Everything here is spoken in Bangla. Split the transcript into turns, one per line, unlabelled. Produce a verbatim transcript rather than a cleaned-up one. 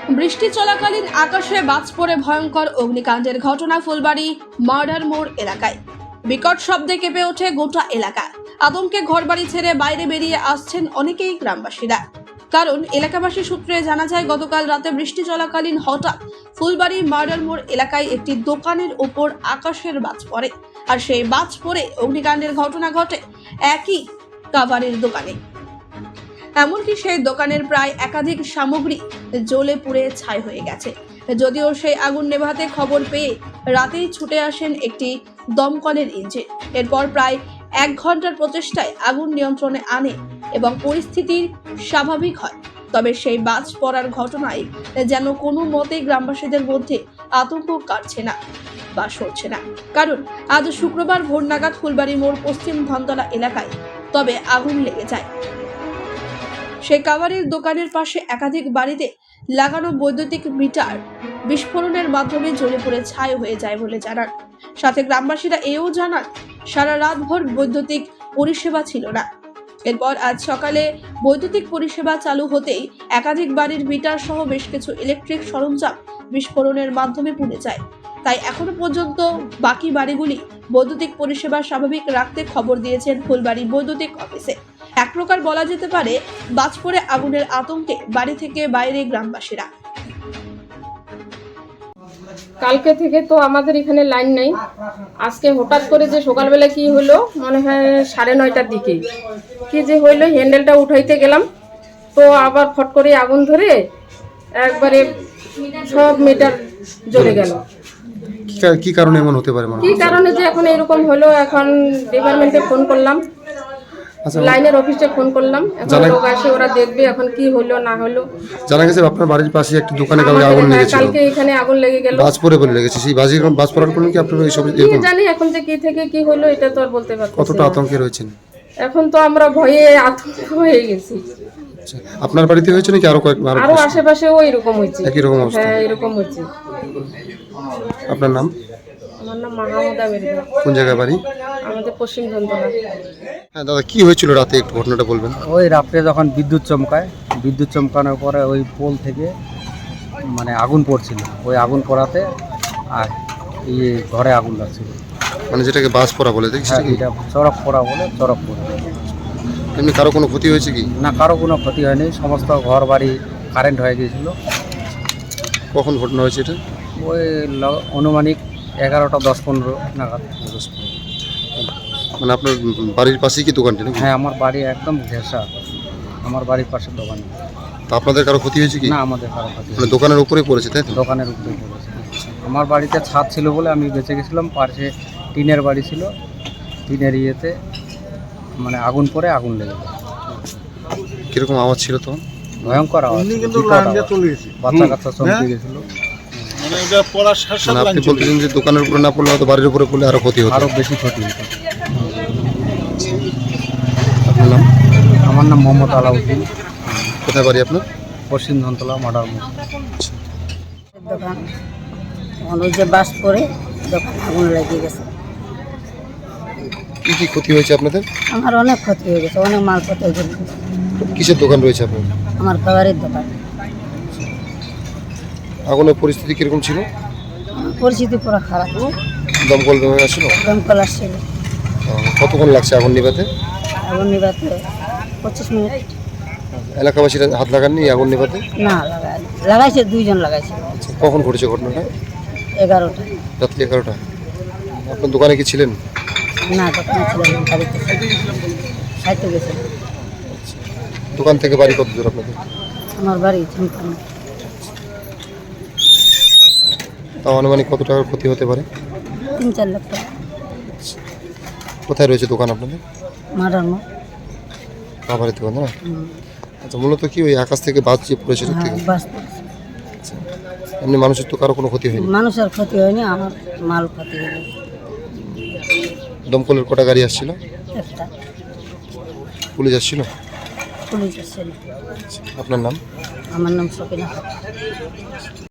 বৃষ্টি চলাকালীন আকাশে বাজ পড়ে ভয়ঙ্কর অগ্নিকাণ্ডের ঘটনা ফুলবাড়ি মার্ডার মোড় এলাকায়। বিকট শব্দে কেঁপে ওঠে গোটা এলাকা। আতঙ্কে ঘরবাড়ি ছেড়ে বাইরে বেরিয়ে আসছেন অনেকেই গ্রামবাসীরা। কারণ এলাকাবাসী সূত্রে জানা যায়, গতকাল রাতে বৃষ্টি চলাকালীন হঠাৎ ফুলবাড়ি মার্ডার মোড় এলাকায় একটি দোকানের ওপর আকাশের বাজ পড়ে, আর সেই বাজ পড়ে অগ্নিকাণ্ডের ঘটনা ঘটে একই কাভারের দোকানে। এমনকি সেই দোকানের প্রায় একাধিক সামগ্রী জ্বলে পুড়ে ছাই হয়ে গেছে। যদিও সেই আগুন নেভাতে খবর পেয়ে রাতেই ছুটে আসেন একটি দমকলের ইঞ্জিন। এরপর প্রায় এক ঘন্টার প্রচেষ্টায় আগুন নিয়ন্ত্রণে আনে এবং পরিস্থিতি স্বাভাবিক হয়। তবে সেই বাজ পড়ার ঘটনায় যেন কোনো মতেই গ্রামবাসীদের মধ্যে আতঙ্ক কাটছে না বা সরছে না। কারণ আজ শুক্রবার ভোর নাগাদ ফুলবাড়ি মোড় পশ্চিম ধনতলা এলাকায় তবে আগুন লেগে যায়। সেই কাভারের দোকানের পাশে একাধিক বাড়িতে লাগানো বৈদ্যুতিক মিটার বিস্ফোরণের মাধ্যমে জ্বলে পড়ে ছাই হয়ে যায় বলে জানান। সাথে গ্রামবাসীরা এও জানান, সারা রাতভর বৈদ্যুতিক পরিষেবা ছিল না। এরপর আজ সকালে বৈদ্যুতিক পরিষেবা চালু হতেই একাধিক বাড়ির মিটার সহ বেশ কিছু ইলেকট্রিক সরঞ্জাম বিস্ফোরণের মাধ্যমে পুড়ে যায়। তাই এখনো পর্যন্ত বাকি বাড়িগুলি বৈদ্যুতিক পরিষেবা স্বাভাবিক রাখতে খবর দিয়েছেন ফুলবাড়ি বৈদ্যুতিক অফিসে। এক প্রকার বলা যেতে পারে, বাজ পড়ে আগুনের আতঙ্কে বাড়ি থেকে বাইরে গ্রামবাসীরা।
কালকে থেকে তো আমাদের এখানে লাইন নাই। আজকে হঠাৎ করে যে সকালবেলা কি হলো, মনে হয় সাড়ে নয়টার দিকে কি যে হইলো, হ্যান্ডেলটা উঠাইতে গেলাম তো আবার ফট করে আগুন ধরে একবারে সব মিটার জ্বলে গেল।
কি কারণে এমন হতে পারে?
কি কারণে যে এখন এরকম হলো, এখন ডিপার্টমেন্টে ফোন করলাম, লাইনের অফিসে ফোন করলাম, এখন লোক আসে, ওরা দেখবে এখন কি হলো না হলো।
জানা গেছে আপনার বাড়ির পাশে একটা দোকানে কালকে আগুন লেগেছিল।
কালকে এখানে আগুন লেগে গেল,
বাজ পড়ে বলে লেগেছে। সেই বাজি বাজ পড়ার পর কি আপনারা এই সব
কি জানি এখন যে কি থেকে কি হলো এটা তো আর বলতে পারছি না।
কতটা আতঙ্কে রয়েছেন
এখন? তো আমরা ভয়ে আতঙ্ক হয়ে গেছি।
আপনার বাড়িতে হয়েছে নাকি আরো কয়েক আরো
আরো আশেপাশেও এরকম হয়েছে?
একই রকম অবস্থা?
হ্যাঁ, এরকম হয়েছে।
আপনার নাম?
আমার নাম মাহমুদা মেরিনা।
কোন জায়গায় বাড়ি?
আমাদের পশ্চিম ধনতলা।
হ্যাঁ দাদা, কি হয়েছিল রাতে, একটু ঘটনাটা বলবেন?
ওই রাত্রে যখন বিদ্যুৎ চমকায়, বিদ্যুৎ চমকানোর পরে ওই পোল থেকে মানে আগুন পড়ছিল, ওই আগুন পড়াতে আর ইয়ে ঘরে আগুন লাগছিল,
মানে যেটাকে বাজ পড়া বলে দেখছি।
হ্যাঁ, এটা চরক পড়া বলে, চরক পড়া।
এমনি কারো কোনো ক্ষতি হয়েছে কি?
না, কারো কোনো ক্ষতি হয়নি, সমস্ত ঘর বাড়ি কারেন্ট হয়ে গিয়েছিল।
কখন ঘটনা হয়েছে এটা?
ওই ল- আনুমানিক এগারোটা দশ পনেরো নাগাদ।
মানে আপনার বাড়ির পাশেই কি দোকানটা নাকি?
হ্যাঁ, আমার বাড়ি একদম ঘেঁষা, আমার বাড়ির পাশের দোকান।
তা আপনাদের কারো ক্ষতি হয়েছে কি?
না, আমাদের কারো ক্ষতি হয়নি।
মানে দোকানের উপরে পড়েছে তাই তো?
দোকানের উপরে পড়েছে। আমার বাড়িতে ছাদ ছিল বলে আমি বেঁচে গেছিলাম, পাশে টিনের বাড়ি ছিল, টিনের ইয়েতে মানে আগুন পরে আগুন লেগে যায়।
কিরকম আওয়াজ ছিল তখন?
ভয়ঙ্কর আওয়াজ, বিকট আওয়াজ। বাচ্চা কাচ্চা চমকে গেছিল।
মানে আপনি বলতেছেন যে দোকানের উপরে না পড়লে হয়তো বাড়ির উপরে পড়লে আরো ক্ষতি হতো?
আরো বেশি ক্ষতি হতো।
আপনার নাম?
আমার নাম মোহাম্মদ আলাউদ্দিন।
কোথায় বাড়ি আপনার?
পশ্চিম ধনতলা মার্ডার মোড়।
দোকান তখন ওই যে বাস পরে দোকান আগুন লেগে গেছে।
কি কি ক্ষতি হয়েছে আপনাদের?
আমার অনেক ক্ষতি হয়ে গেছে, অনেক মাল ক্ষতি হয়ে গেছে।
কিসের দোকান রয়েছে আপনার?
আমার খাবারের দোকান।
আগুনের পরিস্থিতি কিরকম ছিল?
পরিস্থিতি পুরো খারাপ।
দমকল বিভাগ আসছিল?
দমকল আসছিল।
কতক্ষণ লাগছে আগুন নিভাতে?
আগুন নিভাতে পঁচিশ মিনিট।
এলাকাবাসীরা হাত লাগাননি আগুন নিভাতে?
না, লাগাই লাগাইছে, দুইজন লাগাইছে।
কখন ঘটেছে ঘটনাটা?
এগারোটা
রাত্রি এগারোটা। আপনার দোকানে কি ছিলেন?
না, দোকানে ছিল না, বাড়িতে খাইতে গেছে।
দোকান থেকে বাড়ি কত দূর আপনাদের?
আমার বাড়ি ঝুমখান।
তাও আনুমানিক কত টাকার ক্ষতি হতে পারে?
তিন চার লাখ টাকা।
কোথায় রয়েছে দোকান আপনাদের?
মারার মোড়।
খাবারের দোকান না? আচ্ছা, মূলত কি ওই আকাশ থেকে বাজ যে পড়েছে ঠিক?
হ্যাঁ, বাস পড়েছে।
এমনি মানুষের তো কারো কোনো ক্ষতি হয়নি?
মানুষের ক্ষতি হয়নি, আমার মাল ক্ষতি হয়ে গেছে।
দমকলের কটা গাড়ি আসছিল?
একটা।
পুলিশ আসছিল?
পুলিশ আসছিল।
আপনার নাম?
আমার নাম সকিনা।